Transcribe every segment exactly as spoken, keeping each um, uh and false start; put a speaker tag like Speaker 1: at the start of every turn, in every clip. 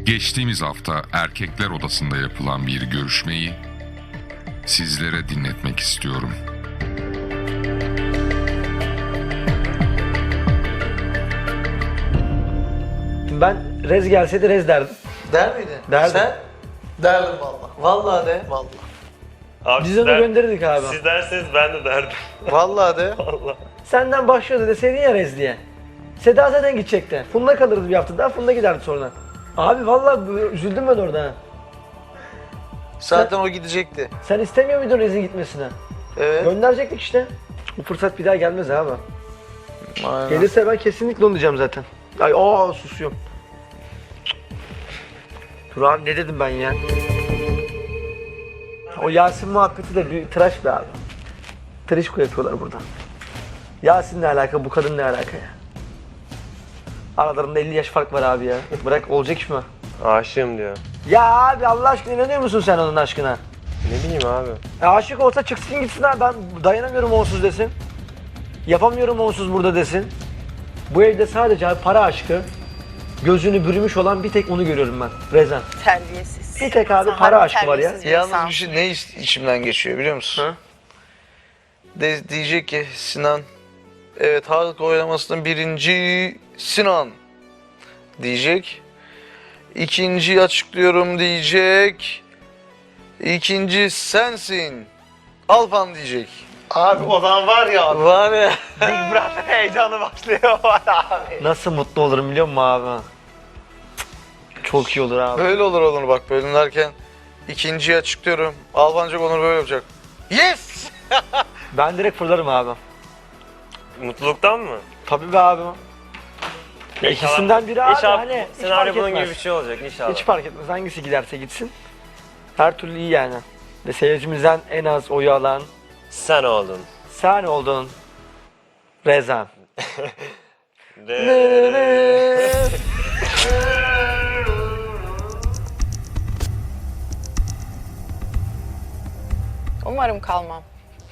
Speaker 1: Geçtiğimiz hafta erkekler odasında yapılan bir görüşmeyi sizlere dinletmek istiyorum.
Speaker 2: Ben Rez gelseydi Rez derdim.
Speaker 3: Der miydin?
Speaker 2: Derdim.
Speaker 3: Sen? Derdim valla. Vallahi de. Vallahi.
Speaker 4: Abi
Speaker 2: Biz
Speaker 4: siz
Speaker 2: onu
Speaker 4: der-
Speaker 2: gönderirdik abi.
Speaker 4: Siz derseniz ben de derdim.
Speaker 3: Vallahi de.
Speaker 4: Allah.
Speaker 2: Senden başlıyordu deseydin ya Rez diye. Seda zaten gidecekti. Funda kalırdı bir hafta daha, Funda giderdi sonra. Abi vallahi bu- üzüldüm ben orada. ha.
Speaker 3: Zaten o gidecekti.
Speaker 2: Sen istemiyor muydun Rez'in gitmesini?
Speaker 3: Evet.
Speaker 2: Gönderecektik işte. Bu fırsat bir daha gelmez abi.
Speaker 3: Aynen.
Speaker 2: Gelirse ben kesinlikle onu diyeceğim zaten. Ay aa susuyorum. Dur abi ne dedim ben ya? O Yasin muhabbeti de bir tıraş be abi. Trişko yapıyorlar burada. Yasin ne alaka, bu kadın ne alaka ya? Aralarında elli yaş fark var abi ya. Bırak olacak iş mi?
Speaker 4: Aşığım diyor.
Speaker 2: Ya abi Allah aşkına inanıyor musun sen onun aşkına?
Speaker 4: Ne bileyim abi.
Speaker 2: E, aşık olsa çıksın gitsin abi, ben dayanamıyorum onsuz desin. Yapamıyorum onsuz burada desin. Bu evde sadece abi para aşkı, gözünü bürümüş olan bir tek onu görüyorum ben, Rezan.
Speaker 5: Terbiyesiz.
Speaker 2: Bir tek abi
Speaker 5: Sen
Speaker 2: para
Speaker 5: harbi
Speaker 2: aşkı var ya.
Speaker 5: terbiyesiz bir insan.
Speaker 3: Yalnız bir şey ne iç- içimden geçiyor biliyor musun?
Speaker 2: Hı?
Speaker 3: De, diyecek ki Sinan, evet halk oylamasının birinci Sinan diyecek. İkinciyi açıklıyorum diyecek. İkinci sensin. Alpan diyecek.
Speaker 2: Abi o zaman var ya,
Speaker 3: Var ya.
Speaker 2: Big Brother heyecanı başlıyor abi. Nasıl mutlu olurum biliyor musun abi? Cık, Çok iyi olur abi.
Speaker 3: Böyle olur olur bak bölümlerken. İkinciyi açıklıyorum. Alpancık Onur böyle yapacak. Yes!
Speaker 2: Ben direkt fırlarım abi.
Speaker 4: Mutluluktan mı?
Speaker 2: Tabii be abi. Ya İkisinden biri abi
Speaker 4: İnşallah
Speaker 2: hani hiç
Speaker 4: senaryo
Speaker 2: fark
Speaker 4: bunun
Speaker 2: etmez.
Speaker 4: gibi bir şey olacak inşallah.
Speaker 2: Hiç fark etmez hangisi giderse gitsin. Her türlü iyi yani. Ve seyircimizden en az oyu alan
Speaker 4: Sen oldun.
Speaker 2: sen oldun. Rezan.
Speaker 4: De-
Speaker 5: Umarım kalmam.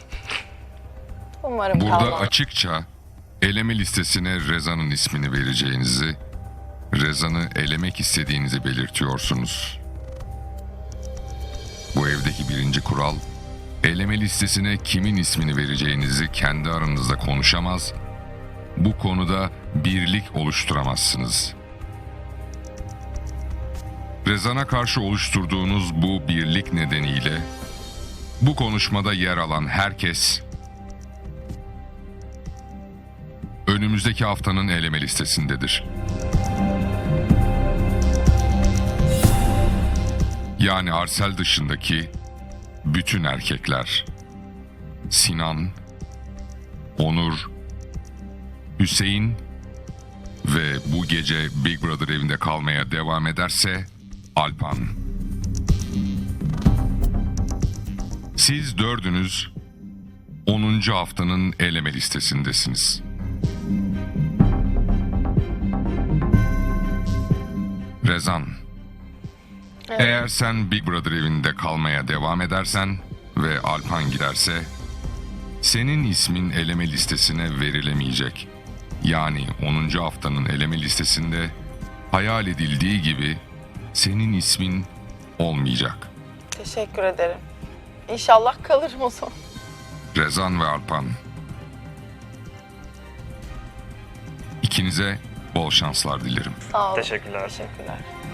Speaker 5: Umarım
Speaker 1: Burada
Speaker 5: kalmam.
Speaker 1: açıkça eleme listesine Rezan'ın ismini vereceğinizi, Rezan'ı elemek istediğinizi belirtiyorsunuz. Bu evdeki birinci kural, eleme listesine kimin ismini vereceğinizi kendi aranızda konuşamaz, bu konuda birlik oluşturamazsınız. Rezan'a karşı oluşturduğunuz bu birlik nedeniyle, bu konuşmada yer alan herkes, önümüzdeki haftanın eleme listesindedir. Yani Arsel dışındaki bütün erkekler, Sinan, Onur, Hüseyin ve bu gece Big Brother evinde kalmaya devam ederse Alpan. Siz dördünüz onuncu haftanın eleme listesindesiniz. Rezan,
Speaker 5: Evet.
Speaker 1: eğer sen Big Brother evinde kalmaya devam edersen ve Alpan giderse, senin ismin eleme listesine verilemeyecek. Yani onuncu haftanın eleme listesinde hayal edildiği gibi senin ismin olmayacak.
Speaker 5: Teşekkür ederim. İnşallah kalırım o zaman.
Speaker 1: Rezan ve Alpan, İkinize bol şanslar dilerim.
Speaker 5: Sağ olun.
Speaker 4: Teşekkürler.
Speaker 5: Teşekkürler.